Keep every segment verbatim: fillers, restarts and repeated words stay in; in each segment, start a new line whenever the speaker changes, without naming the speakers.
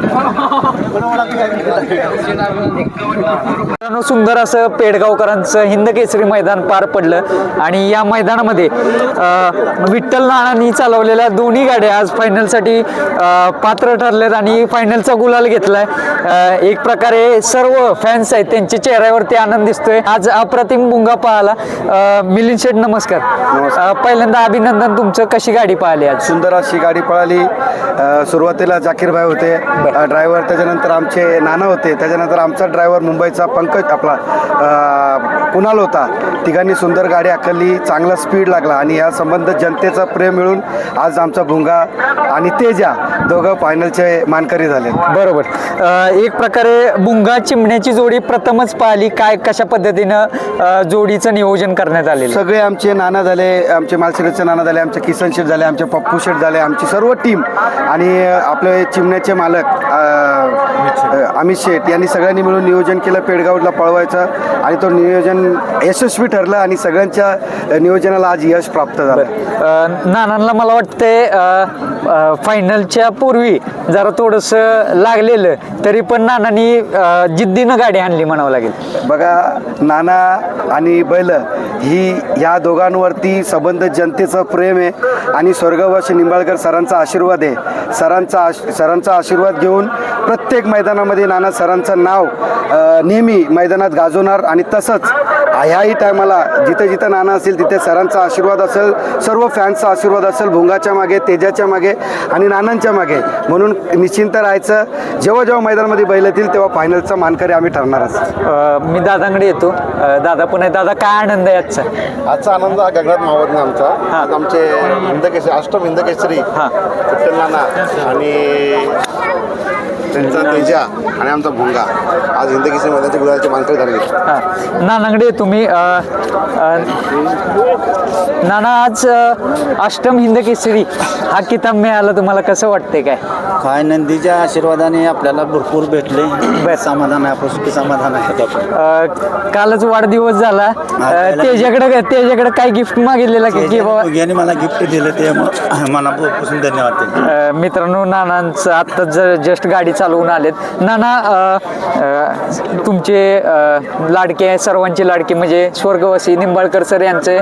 सुंदर असं पेडगावकरांचं हिंद केसरी मैदान पार पडलं आणि या मैदानामध्ये विठ्ठल नानांनी चालवलेल्या दोन्ही गाड्या आज फायनलसाठी पात्र ठरलेत आणि फायनलचा गुलाल घेतलाय। एक प्रकारे सर्व फॅन्स आहेत त्यांच्या चेहऱ्यावरती आनंद दिसतोय। आज अप्रतिम भुंगा पाहिला। मिलिंद शेठ नमस्कार। पहिल्यांदा अभिनंदन तुमचं, कशी गाडी पाहिली आज?
सुंदर अशी गाडी पळाली। सुरुवातीला जाकीर भाई होते ड्रायव्हर, त्याच्यानंतर आमचे नाना होते, त्याच्यानंतर आमचा ड्रायव्हर मुंबईचा पंकज आपला कुणाल होता। तिघांनी सुंदर गाडी आखली, चांगला स्पीड लागला आणि या संबंध जनतेचा प्रेम मिळून आज आमचा भुंगा आणि तेजा दोघं फायनलचे मानकरी झाले।
बरोबर। एक प्रकारे भुंगा चिमण्याची जोडी प्रथमच पाहिली, काय कशा पद्धतीनं जोडीचं नियोजन करण्यात आले?
सगळे आमचे नाना झाले, आमचे मालशिरसचे नाना झाले, आमचे किसन शेठ झाले, आमचे पप्पू शेठ झाले, आमची सर्व टीम आणि आपले चिमण्याचे मालक अमित शेठ यांनी सगळ्यांनी मिळून नियोजन केलं पेडगावला पळवायचं आणि तो नियोजन यशस्वी ठरलं आणि सगळ्यांच्या नियोजनाला आज यश प्राप्त झालं।
नानांना मला वाटतंय फायनलच्या पूर्वी जरा थोडंसं लागलेलं, तरी पण नानांनी जिद्दीनं गाडी आणली म्हणावं लागेल।
बघा, नाना आणि बैल ही या दोघांवरती संबंध जनतेचं प्रेम आहे आणि स्वर्गवासी निंबाळकर सरांचा आशीर्वाद आहे। सरांचा सरांचा आशीर्वाद घेऊन प्रत्येक मैदानामध्ये नाना सरांचं नाव नेहमी मैदानात गाजवणार आणि तसंच ह्याही टायमाला जिथे जिथं नाना असेल तिथे सरांचा आशीर्वाद असेल, सर्व फॅन्सचा आशीर्वाद असेल भुंगाच्या मागे, तेजाच्या मागे आणि नानांच्या मागे, म्हणून निश्चिंत राहायचं। जेव्हा जेव्हा मैदानामध्ये बैल येतील तेव्हा फायनलचा मानकरी आम्ही ठरणारच।
मी दादांकडे येतो। दादा पण आहे, दादा काय आनंद आहे आजचा?
आजचा आनंद हा गगनात मावत नाही आमचा। आज आमचे हिंदकेसरी अष्टम हिंदकेसरी विठ्ठल नाना आणि त्यांचा तेजा आणि आमचा भुंगा आज हिंदकेसरी मैदानाच्या गुलालचे मानकरी झाले।
नानांकडे तुम्ही नाना आज अष्टम हिंद केसरी हा किताब मिळाला, तुम्हाला कसं वाटतंय? काय
काय नंदीच्या आशीर्वादाने आपल्याला भरपूर भेटले, समाधान आहे, आपलं समाधान आहे।
कालच वाढदिवस झाला, त्याच्याकडे त्याच्याकडे काय गिफ्ट मागितलेलं की बाबा?
याने मला गिफ्ट दिलं ते मनापासून धन्यवाद।
मित्रांनो, नानांचं आत्ता जस्ट गाडी चालवून आलेत। नाना, तुमचे लाडके, सर्वांचे लाडके म्हणजे स्वर्गवासी निंबाळकर सर यांचे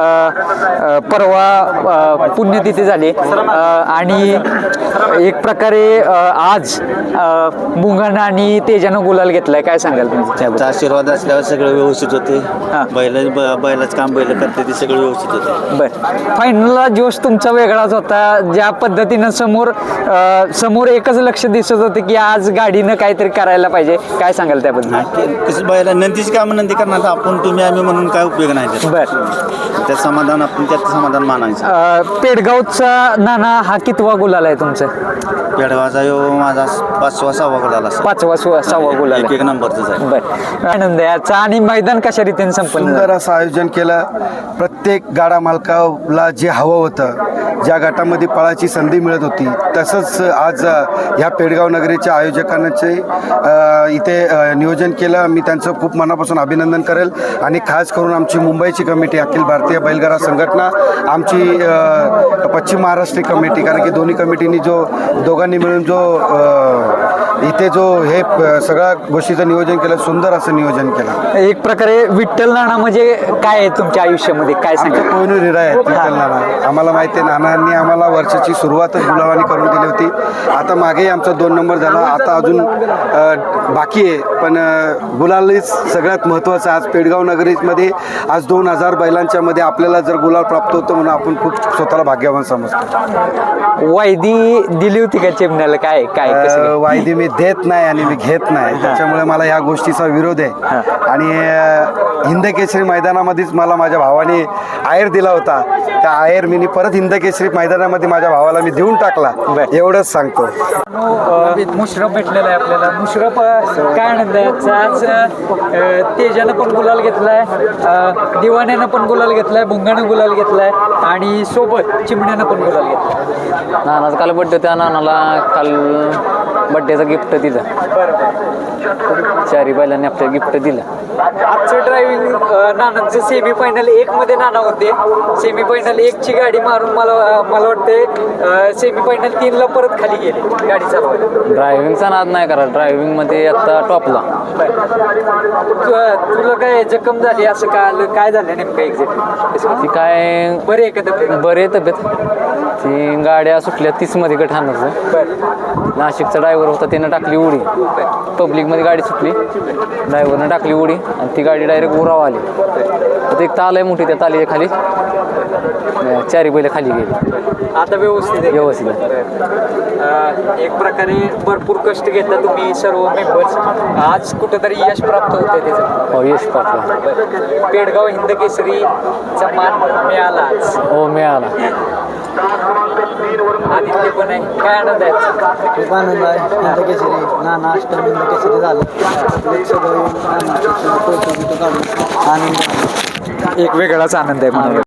परवा पुण्यतिथी झाली आणि एक प्रकारे आज भुंगानं आणि तेजानं गुलाल घेतलाय, काय सांगाल तुम्ही?
त्यांचा आशीर्वाद असल्यावर सगळं व्यवस्थित होते। बैल बैलाच काम बैल करते ते सगळं व्यवस्थित होते।
बरं, फायनलला जोश तुमचा वेगळाच होता, ज्या पद्धतीनं समोर समोर एकच लक्ष दिसत होते की आज गाडीनं काहीतरी करायला पाहिजे, काय सांगाल त्याबद्दल?
कसं बैला नंदीची कामं नंदी करणार, आपण तुम्ही आम्ही म्हणून काय उपयोग नाही।
बरं,
त्यात समाधान, आपण त्यात समाधान मानायचं।
पेडगावचा नाना हा कितवा गुलाल आहे तुमचा?
पेडगावचा यो माझा पाचवा सहावा गुलाल असा।
पाचवा सहावा गुलाल,
एक नंबरच आहे।
बरं, आनंद याचा। आणि मैदान कशा रीतीने संपन्न?
सुंदर असं आयोजन केलं। प्रत्येक गाडा मालकाला जे हवं होतं, ज्या गटामध्ये पळायची संधी मिळत होती, तसंच आज ह्या पेडगाव नगरीच्या आयोजकांचे इथे नियोजन केलं। मी त्यांचं खूप मनापासून अभिनंदन करेल आणि खास करून आमची मुंबईची कमिटी, अखिल भारतीय बैलगाडा संघटना, आमची पश्चिम महाराष्ट्र कमिटी, कारण की दोन्ही कमिटीनी जो दोघांनी मिळून जो इथे जो हे सगळ्या गोष्टीचं नियोजन केलं, सुंदर असं नियोजन केलं।
एक प्रकारे विठ्ठल नाना म्हणजे काय आहे तुमच्या आयुष्यामध्ये, काय सांगा?
कोहिनूर हिरा आहेत विठ्ठल नाना। आम्हाला माहिती आहे, नानांनी आम्हाला वर्षाची सुरुवातच गुलाबानी करून दिली होती। आता मागेही आमचा दोन नंबर झाला, आता अजून बाकी आहे, पण गुलालच सगळ्यात महत्त्वाचं। आज पेडगाव नगरीमध्ये आज दोन हजार बैलांच्या मध्ये आपल्याला जर गुलाल प्राप्त होतो म्हणून आपण खूप स्वतःला भाग्यवान समजतो।
वायदी दिली होती का चिमण्याला? काय काय
वायदी मी देत नाही आणि मी घेत नाही, त्याच्यामुळे मला या गोष्टीचा विरोध आहे। आणि हिंद केसरी मैदानामध्येच मला माझ्या भावाने आयर दिला होता, त्या आयर मी परत हिंद केसरी मैदानामध्ये माझ्या भावाला मी देऊन टाकला, एवढंच सांगतो।
मुश्रफ भेटलेला आहे आपल्याला। मुश्रफ काय आनंद आहे आज? तेजानं पण गुलाल घेतलाय, दिवाण्यानं पण गुलाल घेतलाय, भुंगानं गुलाल घेतलाय आणि सोबत चिमण्यानं पण गुलाल घेतलाय।
नानाचा काल बड्डे, त्या नानाला काल बड्डेचं गिफ्ट दिलं. चारी बैलांनी आपल्याला गिफ्ट दिलं.
आजचं ड्रायव्हिंग नानांचे सेमी फायनल एक मध्ये नाना होते. सेमी फायनल एक ची गाडी मारून मला मला वाटते सेमी फायनल तीन ला परत खाली गेले गाडी चालवायला.
ड्रायव्हिंगचा नाद नाही करा. ड्रायव्हिंगमध्ये आता टॉपला.
तु- तुला काय जखम झाली असं काय आलं काय झालं नेमकं एक्झॅक्ट
ती काय
बरे आहे का तब्येत?
बरे तब्येत. ती गाड्या सुटल्या तीस मध्ये गठाणाचं.
बरं
नाशिकचा ड्रायव्हर होता त्यानं टाकली उडी. पब्लिकमध्ये गाडी सुटली. ड्रायव्हरनं टाकली उडी आणि ती गाडी डायरेक्ट उराव आली. तर ते एक ताल आहे मोठी. त्या तालीच्या खाली चारी बैल खाली गेली.
आता व्यवस्थित आहे.
व्यवस्थित आहे.
अं, एक प्रकारे भरपूर कष्ट घेतला तुम्ही सर्व मेंबर्स. आज कुठेतरी यश प्राप्त होतंय त्याचं.
हो यश पाटला.
पेडगाव हिंद केसरीचा मान मिळाला आज.
हो मिळाला.
आदित्य पण आहे. काय आनंद आहे?
खूप आनंद आहे. हिंद केसरी नाना अष्टम हिंद केसरी झालं. एक सगळं नाना कौतुक काढून आनंद.
एक वेगळाच आनंद आहे मला.